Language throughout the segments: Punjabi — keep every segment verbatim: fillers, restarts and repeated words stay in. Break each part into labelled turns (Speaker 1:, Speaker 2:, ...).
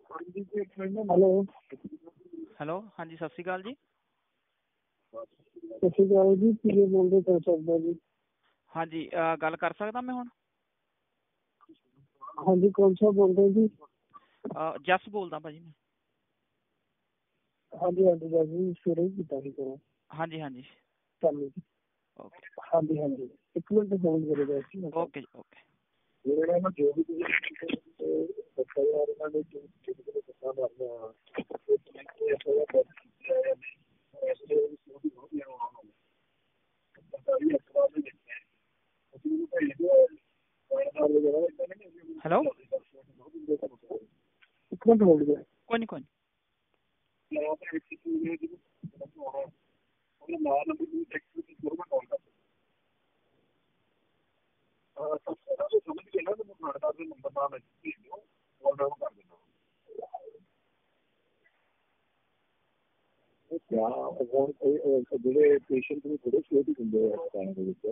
Speaker 1: हेलो
Speaker 2: हेलो हाँ जी सत श्री अकाल जी।
Speaker 1: सत श्री अकाल जी की बोल रहे कर सकदा जी?
Speaker 2: हाँ जी अ, गल कर सकदा मैं हुण?
Speaker 1: हाँ जी कौन सा बोल रहे जी?
Speaker 2: अ, जस बोलदा भाजी मैं।
Speaker 1: हाँ जी हाँ जी जी सवेरे ही कीता सी करो।
Speaker 2: हाँ जी हाँ जी
Speaker 1: चलो जी
Speaker 2: ओके
Speaker 1: हाँ जी हाँ जी एक मिनट होल्ड करेगा जी।
Speaker 2: ओके जी ओके।
Speaker 1: मेरा ना जो भी बच्चा यार ना जो जो बता रहा
Speaker 2: हेलो
Speaker 1: एक मिनट होल्ड करेगा।
Speaker 2: कोई नहीं कोई नहीं।
Speaker 1: ਜਿਹੜੇ ਪੇਸ਼ੈਂਟ ਨੂੰ ਥੋੜੇ ਸੇਫ ਹੁੰਦੇ ਆ ਇਸ ਟਾਈਮ ਦੇ ਵਿੱਚ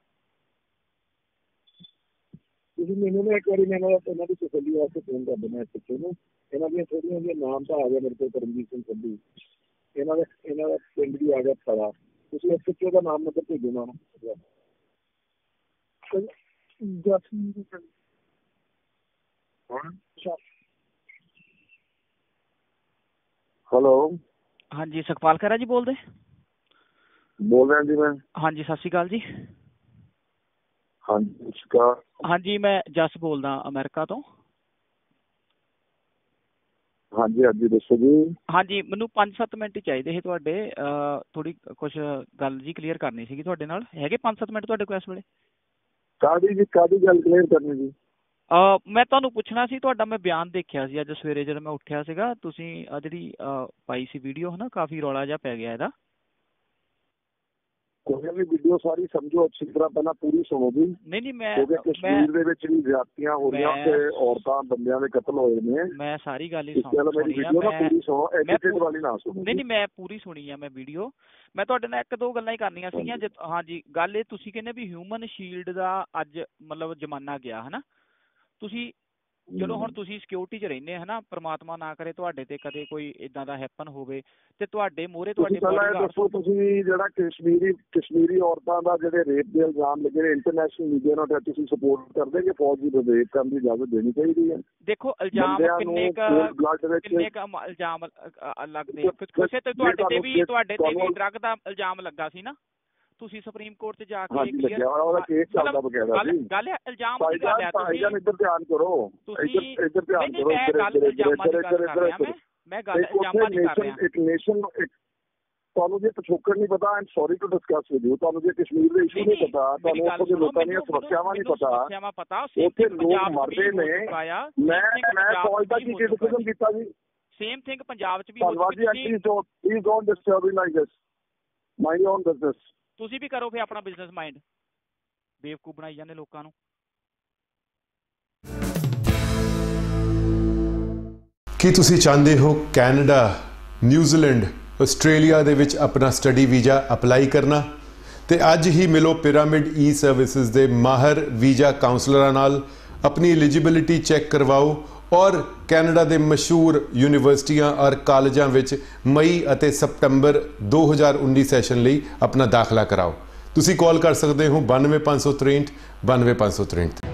Speaker 1: ਤੁਸੀਂ ਮੈਨੂੰ ਨਾ ਇੱਕ ਵਾਰੀ ਮੈਨੂੰ ਇਹਨਾਂ ਦੀ ਤਸੱਲੀ ਵਾਸਤੇ ਫੋਨ ਕਰ ਦੇਣਾ ਪਿੱਛੇ ਨੂੰ ਇਹਨਾਂ ਦੀਆਂ ਥੋੜੀਆਂ ਜਿਹੀਆਂ ਨਾਮ ਤਾਂ ਆ ਗਿਆ ਮੇਰੇ ਕੋਲ ਕਰਮਜੀਤ ਸਿੰਘ ਸੰਧੂ ਇਹਨਾਂ ਦਾ ਇਹਨਾਂ ਦਾ ਪਿੰਡ ਵੀ ਆ ਗਿਆ ਸਾਰਾ ਤੁਸੀਂ ਇਸ ਪਿੱਛੇ ਦਾ ਨਾਮ ਨੰਬਰ ਭੇਜੋ ਨਾ हेलो
Speaker 2: हाँ जी सुखपाल खैरा जी बोल दे
Speaker 1: बोल रहे हैं जी मैं।
Speaker 2: हाँ जी सत श्री अकाल जी।
Speaker 1: हाँ जी नमस्कार।
Speaker 2: हाँ जी मैं जस बोलदा अमेरिका तो।
Speaker 1: हाँ जी हाँ जी दसो जी।
Speaker 2: हाँ जी मैनू पांच सत्त मिनट चाहिए थे तुहाडे थोड़ी कुछ गल जी क्लीयर करनी सीगी तुहाडे नाल हैगे पांच सत्त मिनट तुहाडे कोल इस वेले?
Speaker 1: कादी जी कादी गल क्लीयर करनी जी?
Speaker 2: Uh, मैं ਤੁਹਾਨੂੰ ਪੁੱਛਣਾ ਸੀ ਤੁਹਾਡਾ ਮੈਂ ਬਿਆਨ ਦੇਖਿਆ ਸੀ ਅੱਜ ਸਵੇਰੇ ਜਦੋਂ ਮੈਂ ਉੱਠਿਆ ਸੀਗਾ ਤੁਸੀਂ ਆ ਜਿਹੜੀ ਪਾਈ ਸੀ ਵੀਡੀਓ ਹੈ ਨਾ ਕਾਫੀ ਰੌਲਾ ਜਿਹਾ ਪੈ ਗਿਆ ਇਹਦਾ।
Speaker 1: ਕੋਈ ਵੀ ਵੀਡੀਓ ਸਾਰੀ ਸਮਝੋ ਅੱਛੀ ਤਰ੍ਹਾਂ ਪਹਿਲਾਂ ਪੂਰੀ ਸੁਣੋ ਜੀ।
Speaker 2: ਨਹੀਂ ਨਹੀਂ ਮੈਂ
Speaker 1: ਕਿਉਂਕਿ ਕਸ਼ਮੀਰ ਦੇ ਵਿੱਚ ਵੀ ਜ਼ਿਆਦਤੀਆਂ ਹੋ ਰਹੀਆਂ ਤੇ ਔਰਤਾਂ ਬੰਦਿਆਂ ਦੇ ਕਤਲ ਹੋਏ ਨੇ।
Speaker 2: ਮੈਂ ਸਾਰੀ ਗੱਲ ਹੀ
Speaker 1: ਸੁਣੀ ਆ ਮੈਂ ਪੂਰੀ ਸੁਣੋ ਐਡੀਟਡ ਵਾਲੀ ਨਾ ਸੁਣੋ।
Speaker 2: ਨਹੀਂ ਨਹੀਂ ਮੈਂ ਪੂਰੀ ਸੁਣੀ ਆ ਮੈਂ ਵੀਡੀਓ। ਮੈਂ ਤੁਹਾਡੇ ਨਾਲ ਇੱਕ ਦੋ ਗੱਲਾਂ ਹੀ ਕਰਨੀਆਂ ਸੀਗੀਆਂ। ਹਾਂ ਜੀ ਗੱਲ ਇਹ ਤੁਸੀਂ ਕਹਿੰਦੇ ਵੀ ਹਿਊਮਨ ਸ਼ੀਲਡ ਦਾ ਅੱਜ ਮਤਲਬ ਜ਼ਮਾਨਾ ਗਿਆ ਹੈ ਨਾ ਤੁਸੀਂ ਚਲੋ ਹੁਣ ਤੁਸੀਂ ਸਿਕਿਉਰਿਟੀ 'ਚ ਰਹਿੰਦੇ ਹੈ ਨਾ ਪਰਮਾਤਮਾ ਨਾ ਕਰੇ ਤੁਹਾਡੇ ਤੇ ਕਦੇ ਕੋਈ ਇਦਾਂ ਦਾ ਹੈਪਨ ਹੋਵੇ ਤੇ ਤੁਹਾਡੇ ਮੋਹਰੇ ਤੁਹਾਡੇ
Speaker 1: ਦੱਸੋ ਤੁਸੀਂ ਜਿਹੜਾ ਕਸ਼ਮੀਰੀ ਕਸ਼ਮੀਰੀ ਔਰਤਾਂ ਦਾ ਜਿਹੜੇ ਰੇਪ ਦੇ ਇਲਜ਼ਾਮ ਲੱਗੇ ਨੇ ਇੰਟਰਨੈਸ਼ਨਲ ਮੀਡੀਆ ਨਾਲ ਤੁਸੀਂ ਸਪੋਰਟ ਕਰਦੇ ਕਿ ਫੌਜ ਦੀ ਰੇਪ ਕਰਨ ਦੀ ਇਜਾਜ਼ਤ ਦੇਣੀ ਚਾਹੀਦੀ ਹੈ?
Speaker 2: ਦੇਖੋ ਇਲਜ਼ਾਮ ਕਿੰਨੇ ਕੁ ਕਿੰਨੇ ਕੁ ਇਲਜ਼ਾਮ ਲੱਗਦੇ ਕਿਸੇ ਤੇ ਤੁਹਾਡੇ ਤੇ ਵੀ ਤੁਹਾਡੇ ਤੇ ਵੀ ਡਰੱਗ ਦਾ ਇਲਜ਼ਾਮ ਲੱਗਾ ਸੀ ਨਾ ਤੁਸੀਂ ਸੁਪਰੀਮ ਕੋਰਟ 'ਚ ਜਾ ਕੇ
Speaker 1: ਉਹਦਾ ਕੇਸ ਚੱਲਦਾ ਬਕਾਇਦਾ ਸੀ।
Speaker 2: ਗੱਲ ਇਲਜ਼ਾਮ ਦੀ ਗੱਲ ਹੈ ਤੁਸੀਂ
Speaker 1: ਇੱਧਰ ਧਿਆਨ ਕਰੋ ਇੱਧਰ ਇੱਧਰ ਧਿਆਨ ਕਰੋ।
Speaker 2: ਮੈਂ ਗੱਲ ਇਲਜ਼ਾਮਾਂ ਦੀ ਗੱਲ ਕਰ ਰਿਹਾ ਮੈਂ ਮੈਂ ਗੱਲ ਇਲਜ਼ਾਮਾਂ ਦੀ ਕਰ ਰਿਹਾ।
Speaker 1: ਇੱਕ ਨੇਸ਼ਨ ਤੁਹਾਨੂੰ ਜੇ ਪਿਛੋਕੜ ਨਹੀਂ ਪਤਾ am sorry to discuss with you ਤੁਹਾਨੂੰ ਜੇ ਕਸ਼ਮੀਰ ਦੇ ਇਸ਼ੂ ਨਹੀਂ ਪਤਾ ਤੁਹਾਨੂੰ ਉੱਥੋਂ ਦੇ ਲੋਕਾਂ ਦੀਆਂ ਸੁਰੱਖਿਆਵਾਂ ਨਹੀਂ ਪਤਾ ਉੱਥੇ ਲੋਕ ਮਰਦੇ ਨੇ। ਮੈਂ ਮੈਂ ਫੌਜ ਦਾ ਕੀ ਕ੍ਰਿਟਿਸਿਜ਼ਮ ਕੀਤਾ ਜੀ?
Speaker 2: ਸੇਮ ਥਿੰਗ ਪੰਜਾਬ 'ਚ ਵੀ
Speaker 1: ਧੰਨਵਾਦ ਜੀ। Please don't please don't disturb me like this mind your own business.
Speaker 2: ਤੁਸੀਂ ਵੀ ਕਰੋ ਫਿਰ ਆਪਣਾ ਬਿਜ਼ਨਸ ਮਾਈਂਡ ਬੇਵਕੂਫ ਬਣਾਈ ਜਾਂਦੇ ਲੋਕਾਂ ਨੂੰ।
Speaker 3: ਕੀ ਤੁਸੀਂ ਚਾਹੁੰਦੇ ਹੋ ਕੈਨੇਡਾ ਨਿਊਜ਼ੀਲੈਂਡ ਆਸਟ੍ਰੇਲੀਆ ਦੇ ਵਿੱਚ ਆਪਣਾ ਸਟੱਡੀ ਵੀਜ਼ਾ ਅਪਲਾਈ ਕਰਨਾ ਤੇ ਅੱਜ ਹੀ ਮਿਲੋ ਪਿਰਾਮਿਡ ਈ ਸਰਵਿਸਿਜ਼ ਦੇ ਮਾਹਰ ਵੀਜ਼ਾ ਕਾਉਂਸਲਰਾਂ ਨਾਲ ਆਪਣੀ ਐਲੀਜੀਬਿਲਿਟੀ ਚੈੱਕ ਕਰਵਾਓ ਔਰ ਕੈਨੇਡਾ ਦੇ ਮਸ਼ਹੂਰ ਯੂਨੀਵਰਸਿਟੀਆਂ ਔਰ ਕਾਲਜਾਂ ਵਿੱਚ ਮਈ ਅਤੇ ਸਤੰਬਰ ਦੋ ਹਜ਼ਾਰ ਉੱਨੀ ਸੈਸ਼ਨ ਲਈ ਆਪਣਾ ਦਾਖਲਾ ਕਰਾਓ। ਤੁਸੀਂ ਕਾਲ ਕਰ ਸਕਦੇ ਹੋ ਬਾਨਵੇਂ ਪੰਜ ਸੌ ਤ੍ਰੇਹਠ ਬਾਨਵੇਂ ਪੰਜ ਸੌ ਤ੍ਰੇਹਠ।